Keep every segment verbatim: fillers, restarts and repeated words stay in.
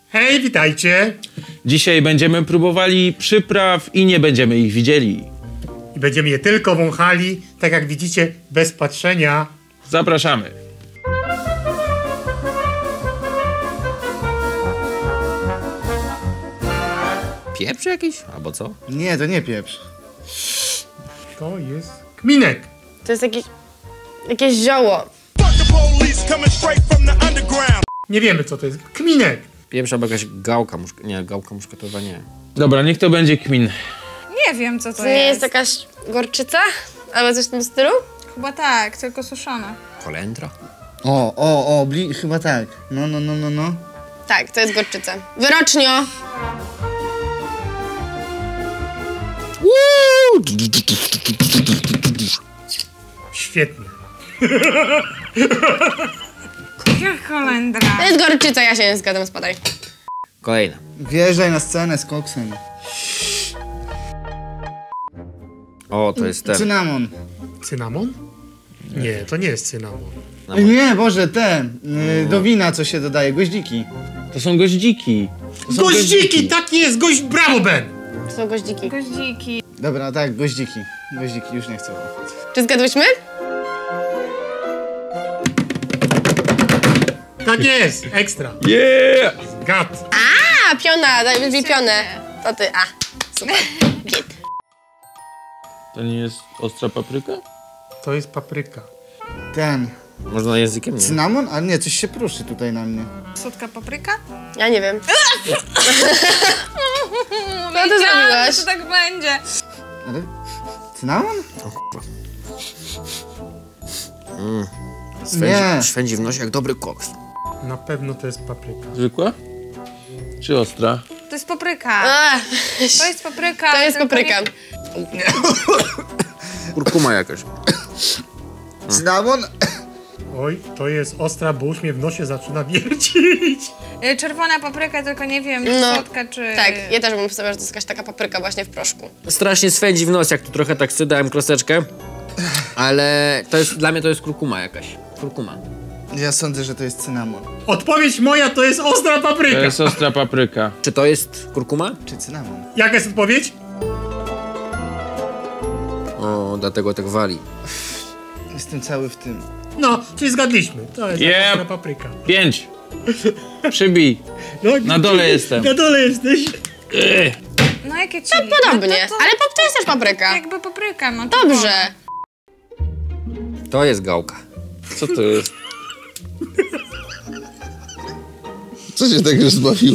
Hej, witajcie! Dzisiaj będziemy próbowali przypraw i nie będziemy ich widzieli. I będziemy je tylko wąchali, tak jak widzicie, bez patrzenia. Zapraszamy. Pieprz jakiś? Albo co? Nie, to nie pieprz. To jest kminek. To jest jakieś... jakieś zioło. Nie wiemy, co to jest. Kminek. Pieprz albo jakaś gałka muszka... Nie, gałka muszkatowa nie. Dobra, niech to będzie kmin. Nie wiem, co to, To nie jest jakaś gorczyca? Albo coś w tym stylu? Chyba tak, tylko suszona. Kolendra? O, o, o, bli... chyba tak. No, no, no, no, no. Tak, to jest gorczyca. Wyrocznio! Świetnie. Jak kolendra. To jest gorczyca, ja się nie zgadzam, spadaj. Kolejna. Wjeżdżaj na scenę z koksem. O, to jest ten. Cynamon. Cynamon? Nie, to nie jest cynamon. Nie, Boże, te. y, Do wina, co się dodaje, goździki. To są goździki. To są Goździki, tak jest! Goź... Brawo, Ben! To są goździki. Goździki. Dobra, tak, goździki. Goździki, już nie chcę. Czy zgadłyśmy? Tak jest! Ekstra. Yeah! Gad. A, piona, daj wyzwij pionę. To ty, a. Super. Git. To nie jest ostra papryka? To jest papryka. Ten. Można językiem? Nie. Cynamon? A nie, coś się pruszy tutaj na mnie. Słodka papryka? Ja nie wiem. No ty zrobiłaś? to tak będzie. Ale... Cynamon? O kurwa. Mm. Nie. Swędzi, szwędzi w nosie jak dobry koks. Na pewno to jest papryka. Zwykła? Czy ostra? To jest papryka. Ach, To jest papryka. to jest tylko papryka. nie- Kurkuma jakaś. Cynamon? Oj, to jest ostra, bo już mnie w nosie zaczyna wiercić. Y, Czerwona papryka, tylko nie wiem, No. słodka czy... Tak, ja też bym powiedziała, że to jest jakaś taka papryka właśnie w proszku. Strasznie swędzi w nos, jak tu trochę tak sydałem kroseczkę. Ale to jest, dla mnie to jest kurkuma jakaś. Kurkuma. Ja sądzę, że to jest cynamon. Odpowiedź moja to jest ostra To papryka. jest ostra papryka. Czy to jest kurkuma? Czy cynamon? Jaka jest odpowiedź? O, dlatego tak wali. Jestem cały w tym. No, czyli zgadliśmy. To jest Yep. ostra papryka. Pięć. Przybij. No, Na dole jestem. Na dole jesteś. Ech. No jakie chili? Podobnie, No to, to, ale pop to jest też papryka. jakby papryka, no to Dobrze. To jest gałka. Co to jest? Co się tak rozbawiło?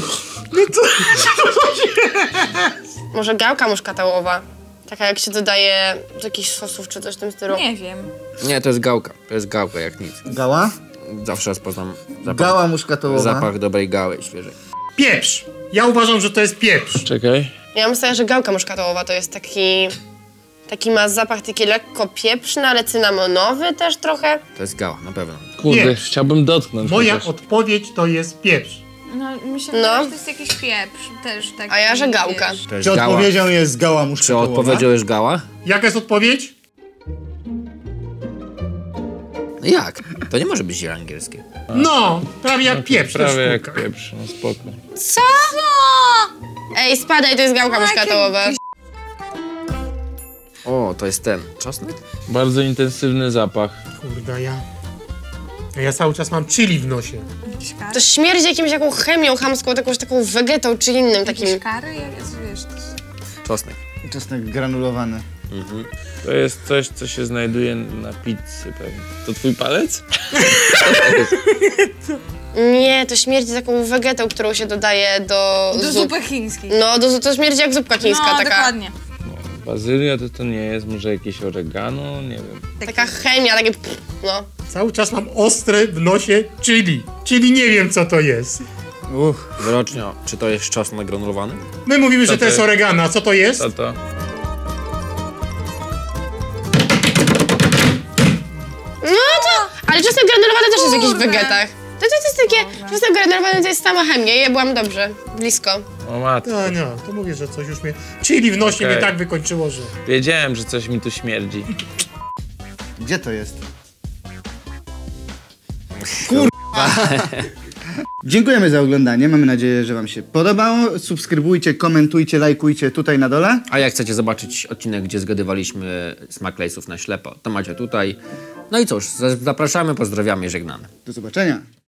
Może gałka muszkatałowa. Taka jak się dodaje do jakichś sosów czy coś w tym stylu. Nie wiem. Nie, to jest gałka. To jest gałka jak nic. Gała? Zawsze rozpoznam zapach, Gała muszkatołowa. zapach dobrej gały świeżej. Pieprz. Ja uważam, że to jest pieprz. Czekaj. Ja myślę, że gałka muszkatałowa to jest taki... Taki ma zapach taki lekko pieprzny, ale cynamonowy też trochę. To jest gała, na pewno. Kurde, Nie. chciałbym dotknąć. Moja chociaż. odpowiedź to jest pieprz. No, myślę, No. że to jest jakiś pieprz też taki. A ja, że gałka. wiesz. To jest Czy gała. odpowiedzią jest gała Czy muszkatołowa? odpowiedzią jest gała? Jaka jest odpowiedź? No jak? To nie może być ziele angielskie. No, prawie jak pieprz. to Prawie jak sztuka. pieprz, no spoko. Co? Ej, spadaj, to jest gałka muszkatałowa. O, to jest ten. Czosnek? Bardzo intensywny zapach. Kurde, ja... Ja cały czas mam chili w nosie. Jakieś kary? To śmierdzi jakimś taką chemią chamską, jakąś taką wegetą czy innym takim. Jakieś kary? Jak jest, wiesz, to jest... Czosnek. Czosnek granulowany. To jest coś, co się znajduje na pizzy pewnie. To twój palec? Nie, to śmierdzi taką wegetą, którą się dodaje do, Do zup. zupy chińskiej. No, do, to śmierdzi jak zupka chińska, No, taka, dokładnie. No, bazylia to to nie jest, może jakieś oregano, nie wiem. taka chemia, takie pff, no. Cały czas mam ostre w nosie chili. Chili nie wiem, co to jest. Uch. Wyrocznia. Czy to jest czosnek granulowany? My mówimy, Co że to to jest jest? oregano. A co to jest? Co to? No to, ale czasem granulowany też jest w jakichś Kurde. wegetach. To, to, to jest takie, czasem granulowany to jest sama chemia, ja byłam dobrze, blisko. O matko. No, no, to mówię, że coś już mnie... Chili w nosie Okej. mnie tak wykończyło, że... Wiedziałem, że coś mi tu śmierdzi. Gdzie to jest? Dziękujemy za oglądanie. Mamy nadzieję, że wam się podobało. Subskrybujcie, komentujcie, lajkujcie tutaj na dole. A jak chcecie zobaczyć odcinek, gdzie zgadywaliśmy smak lejsów na ślepo, to macie tutaj. No i cóż, zapraszamy, pozdrawiamy i żegnamy. Do zobaczenia.